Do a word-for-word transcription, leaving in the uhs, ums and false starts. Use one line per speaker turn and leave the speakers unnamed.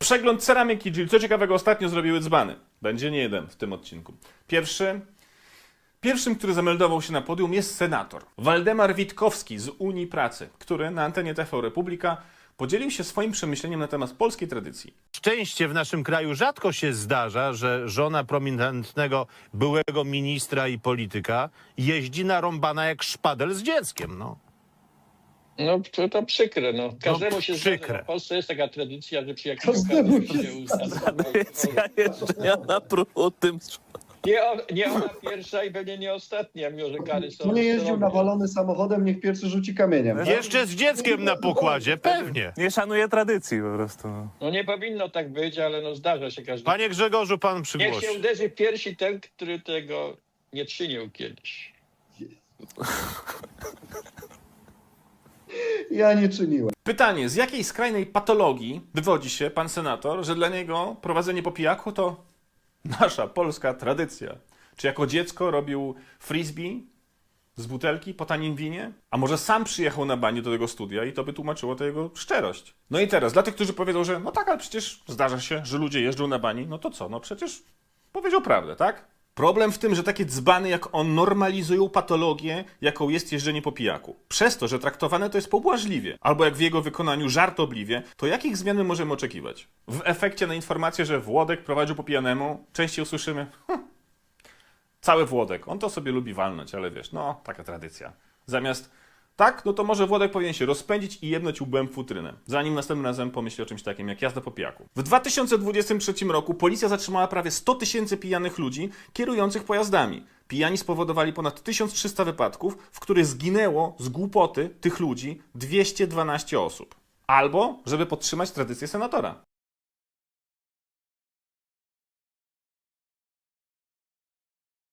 Przegląd ceramiki, czyli co ciekawego ostatnio zrobiły dzbany. Będzie nie jeden w tym odcinku. Pierwszy... Pierwszym, który zameldował się na podium, jest senator Waldemar Witkowski z Unii Pracy, który na antenie T V Republika podzielił się swoim przemyśleniem na temat polskiej tradycji.
Szczęście w naszym kraju rzadko się zdarza, że żona prominentnego byłego ministra i polityka jeździ narąbana jak szpadel z dzieckiem, no.
No to, to przykre, no. Każdemu się
przykre.
zdarza. W Polsce jest taka tradycja, że przy jakimś
Każdemu
okazji
się
się usta-
Tradycja jeżdżenia na prutym.
Nie, o- nie ona pierwsza i pewnie nie ostatnia, mimo że kary są.
Kto nie jeździł
srogie.
nawalony samochodem, niech pierwszy rzuci kamieniem.
Jeszcze z dzieckiem na pokładzie, pewnie.
Nie szanuje tradycji po prostu. No.
No nie powinno tak być, ale no zdarza się każdemu.
Panie Grzegorzu, pan
Niech
przygłosi.
się uderzy w piersi ten, który tego nie czynił kiedyś.
Ja nie czyniłem.
Pytanie, z jakiej skrajnej patologii wywodzi się pan senator, że dla niego prowadzenie po pijaku to nasza polska tradycja? Czy jako dziecko robił frisbee z butelki po tanim winie? A może sam przyjechał na banie do tego studia i to by tłumaczyło tę jego szczerość? No i teraz, dla tych, którzy powiedzą, że no tak, ale przecież zdarza się, że ludzie jeżdżą na bani, no to co? No przecież powiedział prawdę, tak? Problem w tym, że takie dzbany jak on normalizują patologię, jaką jest jeżdżenie po pijaku. Przez to, że traktowane to jest pobłażliwie, albo jak w jego wykonaniu żartobliwie, to jakich zmian my możemy oczekiwać? W efekcie na informację, że Włodek prowadził po pijanemu, częściej usłyszymy hm, cały Włodek, on to sobie lubi walnąć, ale wiesz, no, taka tradycja. Zamiast tak, no to może Włodek powinien się rozpędzić i jebnąć łbem w futrynę, zanim następnym razem pomyśli o czymś takim jak jazda po pijaku. W dwa tysiące dwudziestym trzecim roku policja zatrzymała prawie sto tysięcy pijanych ludzi kierujących pojazdami. Pijani spowodowali ponad tysiąc trzysta wypadków, w których zginęło z głupoty tych ludzi dwieście dwanaście osób. Albo, żeby podtrzymać tradycję senatora.